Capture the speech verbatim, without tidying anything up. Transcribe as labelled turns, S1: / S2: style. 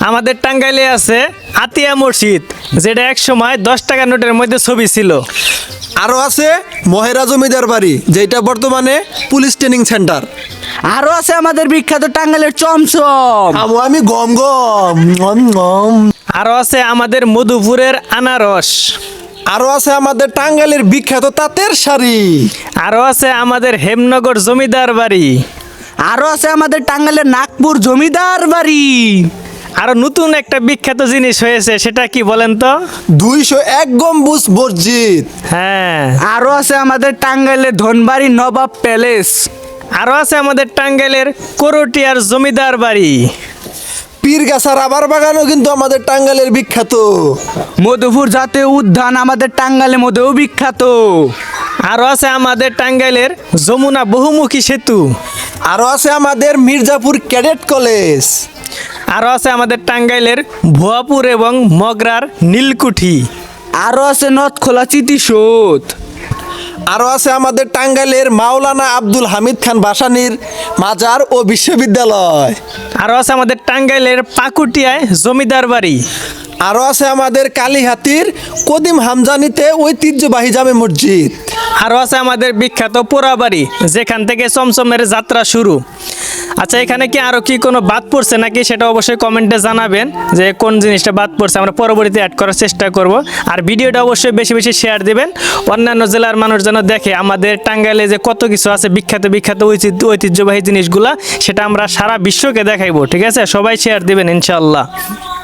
S1: আমাদের টাঙ্গাইলে আছে আতিয়া মসজিদ, যেটা এক সময় দশ টাকা নোটের মধ্যে ছবি ছিল।
S2: আরও আছে মহেরা জমিদার বাড়ি, যেটা বর্তমানে পুলিশ ট্রেনিং সেন্টার।
S3: আরো আছে আমাদের বিখ্যাত টাঙ্গাইলের চমচম।
S2: আমু আমি গম গম গম গম।
S1: আরও আছে আমাদের মধুপুরের আনারস।
S2: আরও আছে আমাদের টাঙ্গাইলের বিখ্যাত তাঁতের শাড়ি।
S1: আরও আছে আমাদের হেমনগর জমিদার বাড়ি।
S3: আরো আছে আমাদের টাঙ্গাইলের নাগপুর জমিদার বাড়ি।
S1: আরো নতুন একটা বিখ্যাত জিনিস হয়েছে, সেটা কি বলেন তো?
S2: দুইশো এক গম্বুজ মসজিদ।
S1: হ্যাঁ।
S3: আরো আছে আমাদের টাঙ্গাইলের ধনবাড়ি নবাব প্যালেস।
S1: আরো আছে আমাদের টাঙ্গাইলের করটিয়ার জমিদার বাড়ি।
S2: পীরগাছা রাবার বাগানও কিন্তু আমাদের টাঙ্গাইলের বিখ্যাত।
S3: মধুপুর জাতীয় উদ্যান আমাদের টাঙ্গাইলের মধ্যেও বিখ্যাত।
S1: আরো আছে আমাদের টাঙ্গাইলের যমুনা বহুমুখী সেতু।
S2: আরও আছে আমাদের মির্জাপুর ক্যাডেট কলেজ।
S1: আরো আছে আমাদের টাঙ্গাইলের ভুয়াপুর এবং মগরার নীলকুঠি।
S3: আরো আছে নথখোলা স্মৃতিসৌধ।
S2: আরও আছে আমাদের টাঙ্গাইলের মাওলানা আব্দুল হামিদ খান ভাসানীর মাজার ও বিশ্ববিদ্যালয়।
S1: আরো আছে আমাদের টাঙ্গাইলের পাকুটিয়ায় জমিদার বাড়ি।
S2: আরও আছে আমাদের কালীহাতির কদিম হামজানিতে ঐতিহ্যবাহী জামে মসজিদ।
S1: আরো আছে আমাদের বিখ্যাত পোড়াবাড়ি, যেখান থেকে চমচমের যাত্রা শুরু। আচ্ছা, এখানে কি আরো কি কোনো বাদ পড়ছে নাকি, সেটা অবশ্যই কমেন্টে জানাবেন যে কোন জিনিসটা বাদ পড়ছে, আমরা পরবর্তীতে অ্যাড করার চেষ্টা করব। আর ভিডিওটা অবশ্যই বেশি বেশি শেয়ার দিবেন, অন্যান্য জেলার মানুষ যেন দেখে আমাদের টাঙ্গাইলে যে কত কিছু আছে বিখ্যাত বিখ্যাত ঐতিহ্য ঐতিহ্যবাহী জিনিসগুলা, সেটা আমরা সারা বিশ্বকে দেখাইবো। ঠিক আছে, সবাই শেয়ার দিবেন ইনশাল্লাহ।